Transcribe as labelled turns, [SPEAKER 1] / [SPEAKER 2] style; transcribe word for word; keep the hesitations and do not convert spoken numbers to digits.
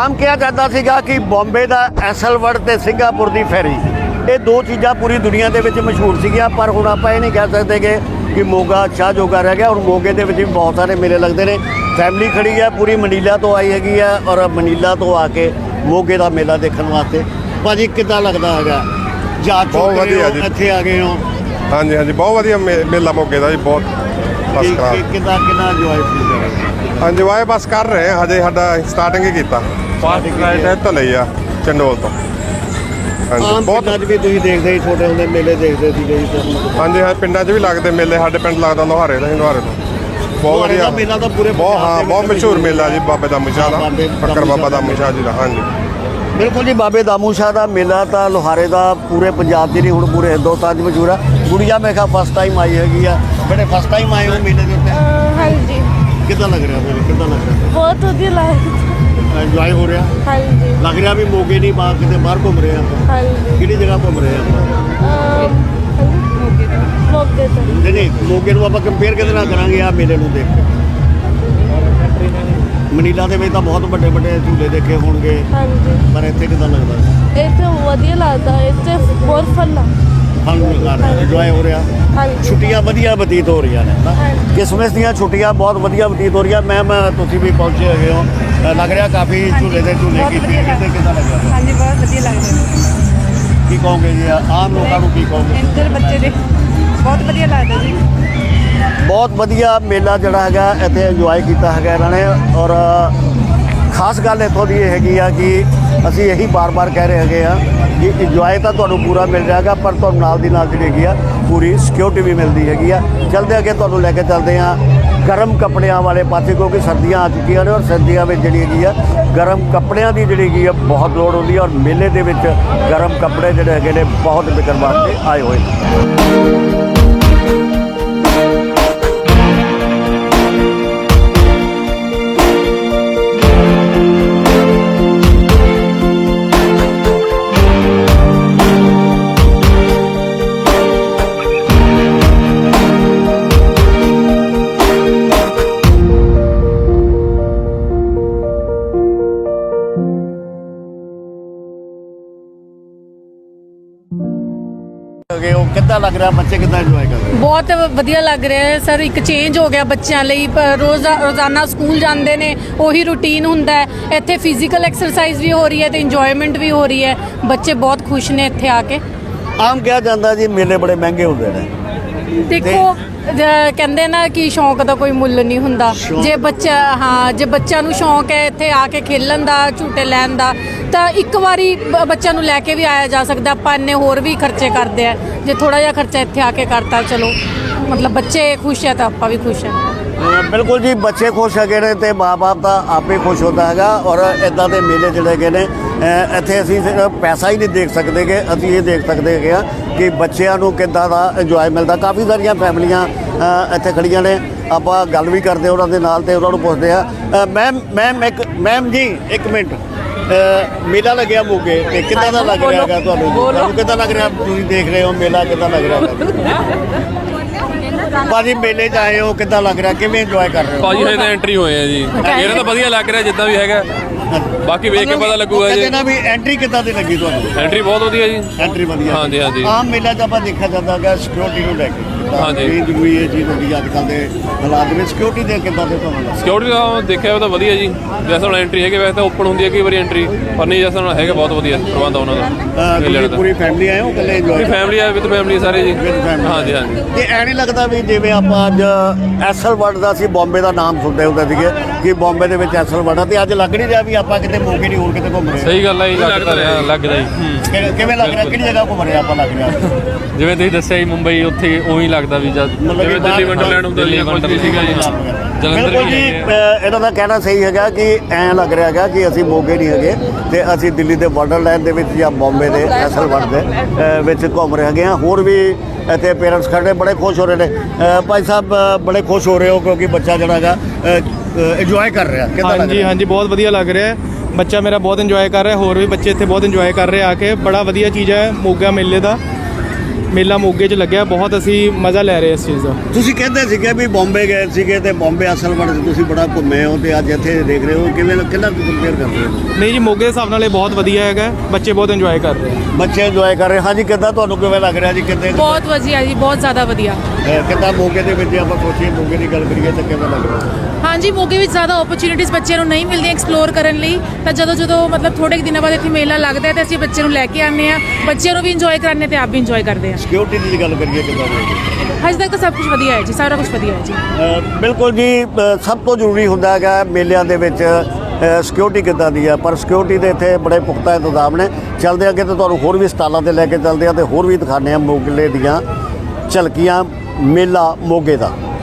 [SPEAKER 1] ਆਮ ਕਿਹਾ ਜਾਂਦਾ ਸੀਗਾ ਕਿ ਬੰਬੇ ਦਾ ਐਸਲਵਰਡ ਤੇ ਸਿੰਗਾਪੁਰ ਦੀ ਫੈਰੀ, ਇਹ ਦੋ ਚੀਜ਼ਾਂ ਪੂਰੀ ਦੁਨੀਆ ਦੇ ਵਿੱਚ ਮਸ਼ਹੂਰ ਸੀਗੀਆਂ। ਪਰ ਹੁਣ ਆਪਾਂ ਇਹ ਨਹੀਂ ਕਹਿ ਸਕਦੇ ਕਿ ਕਿ ਮੋਗਾ ਸ਼ਾਹ ਜੋਗਾ ਰਹਿ ਗਿਆ। ਹੁਣ ਮੋਗੇ ਦੇ ਵਿੱਚ ਵੀ ਬਹੁਤ ਸਾਰੇ ਮੇਲੇ ਲੱਗਦੇ ਨੇ। ਫੈਮਿਲੀ ਖੜੀ ਹੈ ਪੂਰੀ, ਮਨੀਲਾ ਤੋਂ ਆਈ ਹੈਗੀ ਆ ਔਰ ਮਨੀਲਾ ਤੋਂ ਆ ਕੇ ਮੋਗੇ ਦਾ ਮੇਲਾ ਦੇਖਣ ਵਾਸਤੇ। ਭਾਜੀ ਕਿੱਦਾਂ ਲੱਗਦਾ ਹੈਗਾ? ਜਾ
[SPEAKER 2] ਬਹੁਤ ਵਧੀਆ ਜੀ,
[SPEAKER 1] ਇੱਥੇ ਆ ਗਏ ਹੋ।
[SPEAKER 2] ਹਾਂਜੀ ਹਾਂਜੀ, ਬਹੁਤ ਵਧੀਆ ਮੇਲਾ ਮੋਗੇ ਦਾ ਜੀ, ਬਹੁਤ ਫਸਟ ਕਲਾਸ।
[SPEAKER 1] ਕਿੱਦਾਂ ਕਿੰਨਾ ਇੰਜੋਏ ਫੀਲ ਕਰ ਰਹੇ?
[SPEAKER 2] ਇੰਜੋਏ ਬਸ ਕਰ ਰਹੇ ਹਾਂ, ਹਜੇ ਸਾਡਾ ਸਟਾਰਟਿੰਗ ਹੀ ਕੀਤਾ। ਫਸਟ ਰਾਈਡ ਤੋਂ ਲਈ ਆ ਚੰਡੋਲ ਤੋਂ।
[SPEAKER 1] ਹਾਂਜੀ, ਬਹੁਤ ਅੱਜ ਵੀ ਤੁਸੀਂ ਦੇਖਦੇ ਹੀ ਛੋਟੇ ਹੁੰਦੇ ਮੇਲੇ ਦੇਖਦੇ ਸੀਗੇ ਜੀ?
[SPEAKER 2] ਹਾਂਜੀ ਹਾਂ, ਪਿੰਡਾਂ 'ਚ ਵੀ ਲੱਗਦੇ ਮੇਲੇ। ਸਾਡੇ ਪਿੰਡ ਲੱਗਦਾ ਲੋਹਾਰੇ ਦਾ, ਲੋਹਾਰੇ ਤੋਂ ਬਹੁਤ ਵਧੀਆ
[SPEAKER 1] ਮੇਲਾ ਤਾਂ ਪੂਰੇ
[SPEAKER 2] ਬਹੁਤ ਹਾਂ ਬਹੁਤ ਮਸ਼ਹੂਰ ਮੇਲਾ ਜੀ, ਬਾਬੇ ਦਾਮੂ ਸ਼ਾਹ ਦਾ, ਫੱਕਰ ਬਾਬਾ ਦਾਮੂ ਸ਼ਾਹ ਜੀ ਦਾ। ਹਾਂਜੀ
[SPEAKER 1] ਬਿਲਕੁਲ ਜੀ, ਬਾਬੇ ਦਾਮੂ ਸ਼ਾਹ ਦਾ ਮੇਲਾ ਤਾਂ ਲੋਹਾਰੇ ਦਾ ਪੂਰੇ ਪੰਜਾਬ 'ਚ ਨਹੀਂ, ਹੁਣ ਪੂਰੇ ਹਿੰਦੁਸਤਾਨ 'ਚ ਮਸ਼ਹੂਰ ਆ। ਗੁੜੀਆ ਮੈਂ ਕਿਹਾ ਫਸਟ ਟਾਈਮ ਆਈ ਹੈਗੀ ਆ। ਬੜੇ ਫਸਟ ਟਾਈਮ ਆਏ ਹੋ ਮੇਲੇ ਦੇ ਉੱਤੇ?
[SPEAKER 3] ਹਾਂਜੀ।
[SPEAKER 1] ਕਿੱਦਾਂ ਲੱਗ ਰਿਹਾ ਫਿਰ? ਕਿੱਦਾਂ ਲੱਗ ਰਿਹਾ?
[SPEAKER 3] ਬਹੁਤ ਵਧੀਆ ਲੱਗ ਰਿਹਾ।
[SPEAKER 1] ਇੰਜੋਏ ਹੋ ਰਿਹਾ?
[SPEAKER 3] ਹਾਂਜੀ।
[SPEAKER 1] ਲੱਗ ਰਿਹਾ ਵੀ ਮੋਗੇ ਨਹੀਂ, ਬਾਹਰ ਕਿਤੇ ਬਾਹਰ ਘੁੰਮ ਰਹੇ ਆਪਾਂ?
[SPEAKER 3] ਹਾਂਜੀ।
[SPEAKER 1] ਕਿਹੜੀ ਜਗ੍ਹਾ ਘੁੰਮ ਰਹੇ ਆਪਾਂ?
[SPEAKER 3] ਮੋਗੇ ਤੋਂ। ਮੋਗੇ ਤੋਂ।
[SPEAKER 1] ਨਹੀਂ ਨਹੀਂ, ਮੋਗੇ ਨੂੰ ਆਪਾਂ ਕੰਪੇਅਰ ਕਿਹਦੇ ਨਾਲ ਕਰਾਂਗੇ ਆ ਮੇਲੇ ਨੂੰ ਦੇਖ ਕੇ? ਮਨੀਲਾ ਦੇ ਵਿੱਚ ਤਾਂ ਬਹੁਤ ਵੱਡੇ ਵੱਡੇ ਝੂਲੇ ਦੇਖੇ ਹੋਣਗੇ।
[SPEAKER 3] ਹਾਂਜੀ।
[SPEAKER 1] ਪਰ ਇੱਥੇ ਕਿੱਦਾਂ ਲੱਗਦਾ?
[SPEAKER 3] ਇੱਥੇ ਵਧੀਆ ਲੱਗਦਾ, ਇੱਥੇ ਬਹੁਤ ਫਨ ਆ।
[SPEAKER 1] ਫਨ ਕਰ ਰਿਹਾ, ਇੰਜੋਏ ਹੋ ਰਿਹਾ।
[SPEAKER 3] ਹਾਂਜੀ।
[SPEAKER 1] ਛੁੱਟੀਆਂ ਵਧੀਆ ਬਤੀਤ ਹੋ ਰਹੀਆਂ ਨੇ ਨਾ?
[SPEAKER 3] ਹਾਂਜੀ।
[SPEAKER 1] ਕਿਸਮਸ ਦੀਆਂ ਛੁੱਟੀਆਂ ਬਹੁਤ ਵਧੀਆ ਬਤੀਤ ਹੋ ਰਹੀਆਂ। ਮੈਮ ਤੁਸੀਂ ਵੀ ਪਹੁੰਚੇ ਹੈਗੇ ਹੋ, ਲੱਗ ਰਿਹਾ ਕਾਫੀ ਝੂਲੇ ਦੇ ਝੂਲੇ ਕੀਤੇ ਕਿਤੇ ਕਿੱਦਾਂ ਲੱਗਿਆ?
[SPEAKER 4] ਹਾਂਜੀ, ਬਹੁਤ ਵਧੀਆ ਲੱਗਦਾ।
[SPEAKER 1] ਕੀ ਕਹੋਗੇ ਜੀ ਆਮ ਲੋਕਾਂ ਨੂੰ, ਕੀ ਕਹੋਗੇ?
[SPEAKER 4] ਇੰਦਰ ਬੱਚੇ ਦੇ ਬਹੁਤ ਵਧੀਆ ਲੱਗਦਾ ਜੀ।
[SPEAKER 1] ਬਹੁਤ ਵਧੀਆ ਮੇਲਾ ਜਿਹੜਾ ਹੈਗਾ ਇੱਥੇ ਇੰਜੋਏ ਕੀਤਾ ਹੈਗਾ ਇਹਨਾਂ ਨੇ। ਔਰ ਖਾਸ ਗੱਲ ਇੱਥੋਂ ਦੀ ਇਹ ਹੈਗੀ ਆ ਕਿ ਅਸੀਂ ਇਹੀ ਬਾਰ-ਬਾਰ ਕਹਿ ਰਹੇ ਹੈਗੇ ਆ ਕਿ ਇੰਜੋਏ ਤਾਂ ਤੁਹਾਨੂੰ ਪੂਰਾ ਮਿਲ ਜਾਏਗਾ, ਪਰ ਤੁਹਾਨੂੰ ਨਾਲ ਦੀ ਨਾਲ ਜਿਹੜੀ ਹੈਗੀ ਆ ਪੂਰੀ ਸਿਕਿਉਰਿਟੀ ਵੀ ਮਿਲਦੀ ਹੈਗੀ ਆ। ਚਲਦੇ ਅੱਗੇ ਤੁਹਾਨੂੰ ਲੈ ਕੇ ਚੱਲਦੇ ਆ ਗਰਮ ਕੱਪੜਿਆਂ ਵਾਲੇ ਪਾਸੇ, ਕਿਉਂਕਿ ਸਰਦੀਆਂ ਆ ਚੁੱਕੀਆਂ ਨੇ ਔਰ ਸਰਦੀਆਂ ਵਿੱਚ ਜਿਹੜੀ ਹੈਗੀ ਆ ਗਰਮ ਕੱਪੜਿਆਂ ਦੀ ਜਿਹੜੀ ਹੈਗੀ ਆ ਬਹੁਤ ਲੋੜ ਹੁੰਦੀ ਹੈ। ਔਰ ਮੇਲੇ ਦੇ ਵਿੱਚ ਗਰਮ ਕੱਪੜੇ ਜਿਹੜੇ ਹੈਗੇ ਨੇ ਬਹੁਤ ਵਿਕਣ ਵਾਸਤੇ ਆਏ ਹੋਏ ਨੇ। ਉਹ ਕਿੱਦਾਂ ਲੱਗ ਰਿਹਾ? ਬੱਚੇ ਕਿੱਦਾਂ ਇੰਜੋਏ ਕਰ ਰਹੇ?
[SPEAKER 4] ਬਹੁਤ ਵਧੀਆ ਲੱਗ ਰਿਹਾ ਹੈ ਸਰ। ਇੱਕ ਚੇਂਜ ਹੋ ਗਿਆ ਬੱਚਿਆਂ ਲਈ। ਰੋਜ਼ ਰੋਜ਼ਾਨਾ ਸਕੂਲ ਜਾਂਦੇ ਨੇ, ਉਹੀ ਰੂਟੀਨ ਹੁੰਦਾ ਹੈ। ਇੱਥੇ ਫਿਜ਼ੀਕਲ ਐਕਸਰਸਾਈਜ਼ ਵੀ ਹੋ ਰਹੀ ਹੈ ਤੇ ਇੰਜੋਇਮੈਂਟ ਵੀ ਹੋ ਰਹੀ ਹੈ। ਬੱਚੇ ਬਹੁਤ ਖੁਸ਼ ਨੇ ਇੱਥੇ ਆ ਕੇ।
[SPEAKER 1] ਆਮ ਕਿਹਾ ਜਾਂਦਾ ਜੀ ਮੇਲੇ ਬੜੇ ਮਹਿੰਗੇ ਹੁੰਦੇ ਨੇ।
[SPEAKER 4] ਦੇਖੋ ਕਹਿੰਦੇ ਨਾ ਕਿ ਸ਼ੌਂਕ ਦਾ ਕੋਈ ਮੁੱਲ ਨਹੀਂ ਹੁੰਦਾ। ਜੇ ਬੱਚਾ ਹਾਂ ਜੇ ਬੱਚਿਆਂ ਨੂੰ ਸ਼ੌਂਕ ਹੈ ਇੱਥੇ ਆ ਕੇ ਖੇਲਣ ਦਾ, ਝੂਟੇ ਲੈਣ ਦਾ, ਤਾਂ ਇੱਕ ਵਾਰੀ ਬੱਚਿਆਂ ਨੂੰ ਲੈ ਕੇ ਵੀ ਆਇਆ ਜਾ ਸਕਦਾ। ਆਪਾਂ ਇੰਨੇ ਹੋਰ ਵੀ ਖਰਚੇ ਕਰਦੇ ਆ, ਜੇ ਥੋੜਾ ਜਿਹਾ ਖਰਚਾ ਇੱਥੇ ਆ ਕੇ ਕਰਤਾ, ਚਲੋ ਮਤਲਬ ਬੱਚੇ ਖੁਸ਼ ਹੈ ਤਾਂ ਆਪਾਂ ਵੀ ਖੁਸ਼ ਹਾਂ।
[SPEAKER 1] ਬਿਲਕੁਲ ਜੀ, ਬੱਚੇ ਖੁਸ਼ ਹੈਗੇ ਨੇ ਤੇ ਮਾਂ-ਬਾਪ ਤਾਂ ਆਪੇ ਖੁਸ਼ ਹੁੰਦਾ ਹੈਗਾ। ਔਰ ਇੱਦਾਂ ਦੇ ਮੇਲੇ ਜਿਹੜੇ ਹੈਗੇ ਨੇ ਇੱਥੇ ਅਸੀਂ ਸਿਰਫ ਪੈਸਾ ਹੀ ਨਹੀਂ ਦੇਖ ਸਕਦੇ ਕਿ ਅਸੀਂ ਇਹ ਦੇਖ ਸਕਦੇ ਹੈਗੇ ਆ ਕਿ ਬੱਚਿਆਂ ਨੂੰ ਕਿੱਦਾਂ ਦਾ ਇੰਜੋਏ ਮਿਲਦਾ। ਕਾਫੀ ਸਾਰੀਆਂ ਫੈਮਲੀਆਂ ਇੱਥੇ ਖੜੀਆਂ ਨੇ, ਆਪਾਂ ਗੱਲ ਵੀ ਕਰਦੇ ਉਹਨਾਂ ਦੇ ਨਾਲ ਤੇ ਉਹਨਾਂ ਨੂੰ ਪੁੱਛਦੇ ਆ। ਮੈਮ ਮੈਮ ਇੱਕ ਮੈਮ ਜੀ ਇੱਕ ਮਿੰਟ, ਮੇਲਾ ਲੱਗਿਆ ਮੋਗੇ ਤੇ ਕਿੱਦਾਂ ਦਾ ਲੱਗ ਰਿਹਾ ਹੈਗਾ ਤੁਹਾਨੂੰ? ਤੁਹਾਨੂੰ ਕਿੱਦਾਂ ਲੱਗ ਰਿਹਾ? ਤੁਸੀਂ ਦੇਖ ਰਹੇ ਹੋ ਮੇਲਾ, ਕਿੱਦਾਂ ਲੱਗ ਰਿਹਾ? ਭਾਜੀ ਮੇਲੇ 'ਚ ਆਏ ਹੋ, ਕਿੱਦਾਂ ਲੱਗ ਰਿਹਾ? ਕਿਵੇਂ ਇੰਜੋਏ ਕਰ ਰਹੇ ਹੋ?
[SPEAKER 5] ਭਾਜੀ ਹਜੇ ਤਾਂ ਐਂਟਰੀ ਹੋਏ ਆ ਜੀ, ਇਹਨਾਂ ਤਾਂ ਵਧੀਆ ਲੱਗ ਰਿਹਾ ਜਿੱਦਾਂ ਵੀ ਹੈਗਾ। ਬਾਕੀ ਵੇਖ ਕੇ ਪਤਾ ਲੱਗੂਗਾ ਜੀ।
[SPEAKER 1] ਕਹਿੰਦੇ ਨਾ ਵੀ ਐਂਟਰੀ ਕਿੱਦਾਂ ਦੀ ਲੱਗੀ ਤੁਹਾਨੂੰ?
[SPEAKER 5] ਐਂਟਰੀ ਬਹੁਤ ਵਧੀਆ ਜੀ।
[SPEAKER 1] ਐਂਟਰੀ ਵਧੀਆ?
[SPEAKER 5] ਹਾਂਜੀ ਹਾਂਜੀ।
[SPEAKER 1] ਆਮ ਮੇਲਾ 'ਚ ਆਪਾਂ ਦੇਖਿਆ ਜਾਂਦਾ ਹੈਗਾ ਸਿਕਿਉਰਿਟੀ ਨੂੰ ਲੈ ਕੇ।
[SPEAKER 5] ਹਾਂਜੀ।
[SPEAKER 1] ਇਹ ਜ਼ਰੂਰੀ ਇਹ ਚੀਜ਼ ਹੁੰਦੀ ਅੱਜ ਕੱਲ੍ਹ ਦੇ ਹਾਲਾਤ ਵਿੱਚ। ਸਿਕਿਉਰਿਟੀ ਦੇ ਕਿੱਦਾਂ ਦੇ ਤੁਹਾਨੂੰ?
[SPEAKER 5] ਸਿਕਿਉਰਿਟੀ ਦਾ ਦੇਖਿਆ ਉਹ ਤਾਂ ਵਧੀਆ ਜੀ। ਜੈਸੇ ਹੁਣ ਐਂਟਰੀ ਹੈਗੇ, ਵੈਸੇ ਤਾਂ ਓਪਨ ਹੁੰਦੀ ਹੈ ਕਈ ਵਾਰੀ ਐਂਟਰੀ, ਪਰ ਨਹੀਂ ਜੈਸੇ ਹੁਣ ਹੈਗਾ ਬਹੁਤ ਵਧੀਆ ਪ੍ਰਬੰਧ ਉਹਨਾਂ ਦਾ।
[SPEAKER 1] ਤੁਸੀਂ ਪੂਰੀ ਫੈਮਿਲੀ ਆਏ ਹੋ ਇਕੱਲੇ ਇੰਜੋਏ?
[SPEAKER 5] ਫੈਮਿਲੀ ਆ, ਵਿਦ ਫੈਮਿਲੀ ਸਾਰੇ ਜੀ। ਹਾਂਜੀ ਹਾਂਜੀ।
[SPEAKER 1] ਤੇ ਐ ਨਹੀਂ ਲੱਗਦਾ ਵੀ ਜਿਵੇਂ ਆਪਾਂ ਅੱਜ ਐਸਲ ਵਰਡ ਦਾ ਸੀ ਬੰਬੇ ਦਾ ਨਾਮ ਸੁਣਦੇ ਹੁੰਦੇ ਸੀਗੇ ਕਿ ਬੰਬੇ ਦੇ ਵਿੱਚ ਐਸਲ ਵਰਡ ਆ, ਤੇ ਅੱਜ ਲੱਗ ਨਹੀਂ ਰਿਹਾ ਵੀ ਆਪਾਂ ਕਿਤੇ ਮੋਗੇ ਨਹੀਂ ਹੋਰ ਕਿਤੇ ਘੁੰਮ ਰਹੇ?
[SPEAKER 5] ਸਹੀ ਗੱਲ ਹੈ ਜੀ, ਲੱਗਦਾ ਰਿਹਾ ਲੱਗਦਾ ਜੀ।
[SPEAKER 1] ਕਿਵੇਂ ਲੱਗ ਰਿਹਾ? ਕਿਹੜੀ ਜਗ੍ਹਾ ਘੁੰਮ ਰਹੇ ਆਪਾਂ ਲੱਗ ਰਿਹਾ?
[SPEAKER 5] ਜਿਵੇਂ ਤੁਸੀਂ ਦੱਸਿਆ ਜੀ ਮੁੰਬਈ, ਉੱਥੇ ਉਹੀ ਲੱਗਦਾ ਵੀ ਜਦ ਜਿਵੇਂ ਦਿੱਲੀ ਵੰਡਰਲੈਂਡ ਹੁੰਦਾ ਜੀ, ਕੁਝ ਵੀ ਸੀਗਾ ਜੀ। ਜਲੰਧਰ
[SPEAKER 1] ਬਿਲਕੁਲ ਜੀ, ਇਹਨਾਂ ਦਾ ਕਹਿਣਾ ਸਹੀ ਹੈਗਾ ਕਿ ਐਂ ਲੱਗ ਰਿਹਾ ਹੈਗਾ ਕਿ ਅਸੀਂ ਮੋਗੇ ਨਹੀਂ ਹੈਗੇ ਤੇ ਅਸੀਂ ਦਿੱਲੀ ਦੇ ਵੰਡਰਲੈਂਡ ਦੇ ਵਿੱਚ ਜਾਂ ਬੰਬੇ ਦੇ ਐਸਲ ਵਰਡ ਦੇ ਵਿੱਚ ਘੁੰਮ ਰਹੇ ਹੈਗੇ ਹਾਂ। ਹੋਰ ਵੀ ਇੱਥੇ ਪੇਰੈਂਟਸ ਖੜੇ ਬੜੇ ਖੁਸ਼ ਹੋ ਰਹੇ ਨੇ। ਭਾਈ ਸਾਹਿਬ ਬੜੇ ਖੁਸ਼ ਹੋ ਰਹੇ ਹੋ ਕਿਉਂਕਿ ਬੱਚਾ ਜਿਹੜਾ ਹੈਗਾ ਇੰਜੋਏ ਕਰ ਰਿਹਾ?
[SPEAKER 6] ਹਾਂਜੀ ਹਾਂਜੀ, ਬਹੁਤ ਵਧੀਆ ਲੱਗ ਰਿਹਾ ਹੈ। ਬੱਚਾ ਮੇਰਾ ਬਹੁਤ ਇੰਜੋਏ ਕਰ ਰਿਹਾ, ਹੋਰ ਵੀ ਬੱਚੇ ਇੱਥੇ ਬਹੁਤ ਇੰਜੋਏ ਕਰ ਰਹੇ ਆ ਕੇ। ਬੜਾ ਵਧੀਆ ਚੀਜ਼ ਹੈ ਮੋਗਾ ਮੇਲੇ ਦਾ। ਮੇਲਾ ਮੋਗੇ 'ਚ ਲੱਗਿਆ, ਬਹੁਤ ਅਸੀਂ ਮਜ਼ਾ ਲੈ ਰਹੇ ਇਸ ਚੀਜ਼ ਦਾ।
[SPEAKER 1] ਤੁਸੀਂ ਕਹਿੰਦੇ ਸੀਗੇ ਵੀ ਬੰਬੇ ਗਏ ਸੀਗੇ ਤੇ ਬੰਬੇ ਅਸਲ ਵਿੱਚ ਤੁਸੀਂ ਬੜਾ ਘੁੰਮੇ ਹੋ ਤੇ ਅੱਜ ਇੱਥੇ ਦੇਖ ਰਹੇ ਹੋ, ਕਿਵੇਂ ਕਿੰਨਾ ਕੰਪੇਅਰ ਕਰਦੇ ਹੋ?
[SPEAKER 6] ਨਹੀਂ ਜੀ, ਮੋਗੇ ਦੇ ਹਿਸਾਬ ਨਾਲ ਇਹ ਬਹੁਤ ਵਧੀਆ ਹੈਗਾ, ਬੱਚੇ ਬਹੁਤ ਇੰਜੋਏ ਕਰ ਰਹੇ ਆ।
[SPEAKER 1] ਬੱਚੇ ਇੰਜੋਏ ਕਰ ਰਹੇ। ਹਾਂਜੀ, ਕਿੱਦਾਂ ਤੁਹਾਨੂੰ ਕਿਵੇਂ ਲੱਗ ਰਿਹਾ ਜੀ? ਕਿੱਦਾਂ
[SPEAKER 4] ਬਹੁਤ ਵਧੀਆ ਜੀ, ਬਹੁਤ ਜ਼ਿਆਦਾ ਵਧੀਆ।
[SPEAKER 1] ਕਿੱਦਾਂ ਮੋਗੇ ਦੇ ਵਿੱਚ ਆਪਾਂ ਸੋਚੀਏ, ਮੋਗੇ ਦੀ ਗੱਲ ਕਰੀਏ ਤਾਂ ਕਿਵੇਂ ਲੱਗ ਰਿਹਾ?
[SPEAKER 4] ਹਾਂਜੀ, ਮੋਗੇ ਵਿੱਚ ਜ਼ਿਆਦਾ ਓਪਰਚੁਨਿਟੀਜ਼ ਬੱਚਿਆਂ ਨੂੰ ਨਹੀਂ ਮਿਲਦੀਆਂ ਐਕਸਪਲੋਰ ਕਰਨ ਲਈ, ਤਾਂ ਜਦੋਂ ਜਦੋਂ ਮਤਲਬ ਥੋੜੇ ਕੁ ਦਿਨਾਂ ਬਾਅਦ ਇੱਥੇ ਮੇਲਾ ਲੱਗਦਾ ਹੈ ਤੇ ਅਸੀਂ ਬੱਚੇ ਨੂੰ ਲੈ ਕੇ ਆਉਂਦੇ ਹਾਂ, ਬੱਚਿਆਂ ਨੂੰ ਵੀ ਇੰਜੋਏ ਕਰਾਉਂਦੇ ਤੇ ਆਪ ਵੀ ਇੰਜੋਏ ਕਰਦੇ ਹਾਂ।
[SPEAKER 1] ਸਿਕਿਉਰਿਟੀ ਦੀ ਗੱਲ ਕਰੀਏ ਕਿੱਦਾਂ ਦੀ?
[SPEAKER 4] ਹਜੇ ਤੱਕ ਤਾਂ ਸਭ ਕੁਝ ਵਧੀਆ ਹੈ ਜੀ, ਸਾਰਾ ਕੁਝ ਵਧੀਆ ਹੈ ਜੀ।
[SPEAKER 1] ਅ, ਬਿਲਕੁਲ ਜੀ, ਅ, ਸਭ ਤੋਂ ਜ਼ਰੂਰੀ ਹੁੰਦਾ ਹੈਗਾ ਮੇਲਿਆਂ ਦੇ ਵਿੱਚ ਸਿਕਿਉਰਿਟੀ ਕਿੱਦਾਂ ਦੀ ਆ, ਪਰ ਸਿਕਿਉਰਿਟੀ ਦੇ ਇੱਥੇ ਬੜੇ ਪੁਖਤਾ ਇੰਤਜ਼ਾਮ ਨੇ। ਚੱਲਦੇ ਅੱਗੇ ਤਾਂ ਤੁਹਾਨੂੰ ਹੋਰ ਵੀ ਸਟਾਲਾਂ ਤੇ ਲੈ ਕੇ ਚੱਲਦੇ ਆ ਤੇ ਹੋਰ ਵੀ ਦਿਖਾਉਂਦੇ ਆ ਮੋਗੇ ਦੀਆਂ ਝਲਕੀਆਂ ਮੇਲਾ ਮੋਗੇ ਦਾ।